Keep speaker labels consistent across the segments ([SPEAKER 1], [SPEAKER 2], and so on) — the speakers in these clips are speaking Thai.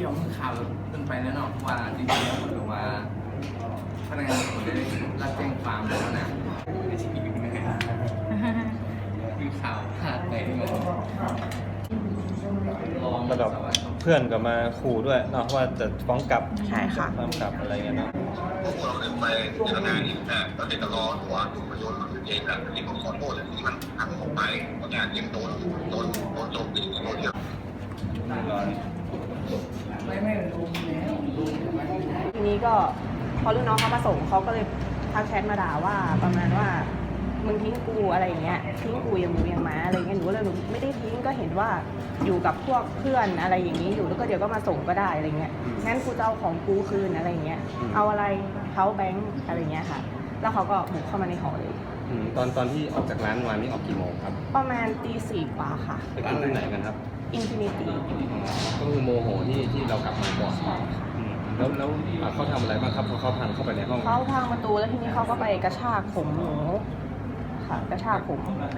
[SPEAKER 1] ที่ออกข่าวขึ้นไปแล้วเนาะว่าจริงๆแล้วมันบอกว่าพนักงานสอบสวนได้รับแจ้งความแล้วนะไม่ใช่อยู่นะครับคือข่าวพลาดไปที่มัน
[SPEAKER 2] ระดับเพื่อนก็มาขู่ด้วยเนาะว่าจะฟ้องกลับ
[SPEAKER 3] ใช่ค่ะ
[SPEAKER 2] ฟ้องกลับอะไรเงี้ยเนาะ
[SPEAKER 4] พวกเราเคยไปทำงานอีกแต่ก็เด็กก็รอตัวประโยชน์เองแบบที่ผมขอโทษที่มันทำออกไปเพราะงานยังโดนโจมตีโดนเยอะ
[SPEAKER 3] ทีนี้ก็พอรุ่นน้องเขามาส่งเขาก็เลยทักแชทมาด่าว่าประมาณว่ามึงทิ้งกูอะไรอย่างเงี้ยทิ้งกูอย่างหมูอย่างหมาอะไรเงี้ยหนูก็เลยหนูไม่ได้ทิ้งก็เห็นว่าอยู่กับพวกเพื่อนอะไรอย่างนี้อยู่แล้วก็เดี๋ยวก็มาส่งก็ได้อะไรเงี้ยงั้นกูจะเอาของกูคืนอะไรเงี้ยเอาอะไรเขาแบงค์อะไรเงี้ยค่ะแล้วเขาก็บุกเข้ามาในหอเลย
[SPEAKER 2] ตอนที่ออกจากร้านวันนี้ออกกี่โมงครับ
[SPEAKER 3] ประมาณตีสี่กว่าค่ะ
[SPEAKER 2] ไปกินที่ไหนกันครับ
[SPEAKER 3] อินฟินิตี้
[SPEAKER 2] ก็คือโมโหที่เรากลับมาก่อน
[SPEAKER 3] ใช่ค่ะ
[SPEAKER 2] แล้วเขาทำอะไรบ้างครับพอเขาพังเข้าไปในห้อง
[SPEAKER 3] เขาพังประตูแล้วทีนี้เขาก็ไปกระชากผมหนูค่ะกระชากผม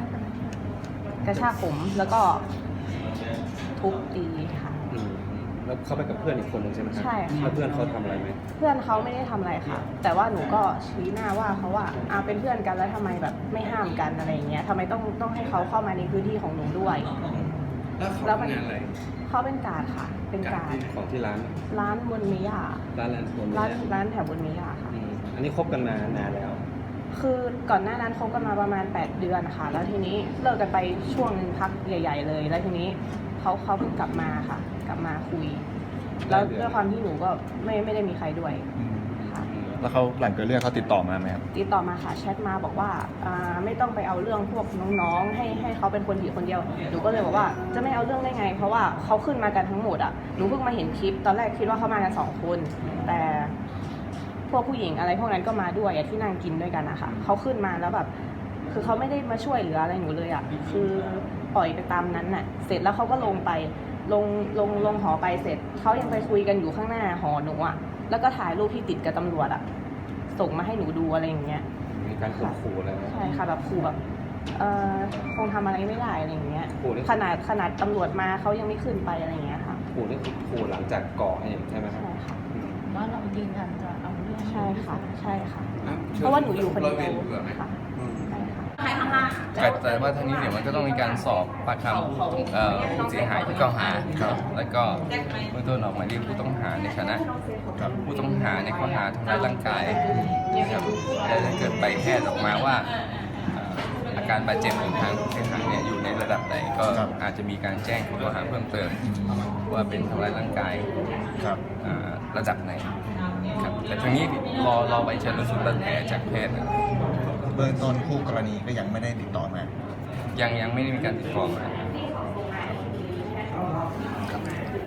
[SPEAKER 3] แล้วก็ทุบตีค่ะ
[SPEAKER 2] แล้วเขาไปกับเพื่อนอีกคนนึงใช่ไหมครับ
[SPEAKER 3] ใช่ค่ะ
[SPEAKER 2] แล้วเพื่อนเขาทำอะไรไหม
[SPEAKER 3] เพื่อนเขาไม่ได้ทำอะไรค่ะ แต่ว่าหนูก็ชี้หน้าว่าเขาว่าเป็นเพื่อนกันแล้วทำไมแบบไม่ห้ามกันอะไรอย่างเงี้ยทำไมต้องให้เขาเข้ามาในพื้นที่ของหนูด้วย
[SPEAKER 1] แล้วเขาทำงานอะไร
[SPEAKER 3] เขาเป็นการดค่ะ เป็นการด
[SPEAKER 2] ของที่ร้าน
[SPEAKER 3] ร้านบนมิยา
[SPEAKER 2] ร้านแลนด์โซน
[SPEAKER 3] ร้านแถวบนมิยาค่ะ
[SPEAKER 2] อันนี้คบกันมานานแล้ว
[SPEAKER 3] คือก่อนหน้านั้นคบกันมาประมาณ8เดือนค่ะแล้วทีนี้เลิกกันไปช่วงนึงพักใหญ่ ๆ เลย แล้วทีนี้เขาเพิ่งกลับมาค่ะ กลับมาคุย แล้วด้วยความที่หนูก็ไม่ได้มีใครด้วยค่ะ
[SPEAKER 5] แล้วเขาหลังเกิดเรื่องเขาติดต่อมาไหมครับ
[SPEAKER 3] ติดต่อมาค่ะแชทมาบอกว่าไม่ต้องไปเอาเรื่องพวกน้องๆให้เขาเป็นคนผิดคนเดียวหนูก็เลยบอกว่าจะไม่เอาเรื่องได้ไง เพราะว่าเขาขึ้นมากันทั้งหมดอ่ะหนูเพิ่งมาเห็นคลิปตอนแรกคิดว่าเขามากัน2 คนแต่พวกผู้หญิงอะไรพวกนั้นก็มาด้วยที่นั่งกินด้วยกันนะคะเขาขึ้นมาแล้วแบบคือเขาไม่ได้มาช่วยเหลืออะไรหนูเลยอ่ะคือปล่อยไปตามนั้นน่ะเสร็จแล้วเขาก็ลงไปลงหอไปเสร็จเขายังไปคุยกันอยู่ข้างหน้าหอหนูอ่ะแล้วก็ถ่ายรูปที่ติดกับตำรวจอ่ะส่งมาให้หนูดูอะไรอย่างเงี้ย
[SPEAKER 2] มีการข่มขู่อะไรไหม
[SPEAKER 3] ใช่ค่ะแบบขู่แบบคงทำอะไรไม่ได้อะไรอย่างเงี้ย
[SPEAKER 2] ขู่นี่
[SPEAKER 3] ขนาดตำรวจมาเขายังไม่ขึ้นไปอะไรอย่างเงี้ยค่ะ
[SPEAKER 2] ขู่นี่คือขู่หลังจากก่อเหตุใช่ไหมครับ
[SPEAKER 3] ใช่ค่ะ
[SPEAKER 6] ว่าเรายืนยันจะเอาเรื่อง
[SPEAKER 3] ใช่ค่ะใช่ค่ะ เพราะว่าหนูอยู่คนเดียวค่ะใช่ค่ะ
[SPEAKER 1] แต่ว่าทางนี้เดี๋ยวมันก็ต้องมีการสอบปากคำผู้เสียหายที่กล่าวหา แล้วก็เมื่อต้นออกหมายเรียกผู้ต้องหาในฐานะผู้ต้องหาในข้อหาทำร้ายร่างกายครับและถ้าเกิดใบแพทย์ออกมาว่าอาการบาดเจ็บของทางผู้เสียหายเนี่ยอยู่ในระดับไหนก็อาจจะมีการแจ้งข้อหาเพิ่มเติมว่าเป็นทำร้ายร่างกาย
[SPEAKER 5] ครับ
[SPEAKER 1] ระดับไหนครับแต่ทางนี้รอใบชันสูตรบาดแผลจากแพทย์นะ
[SPEAKER 5] เบื้องต้นคู่กรณีก็ยังไม่ได้ติดต่อมา
[SPEAKER 1] ยังไม่ได้มีการติดต่อมา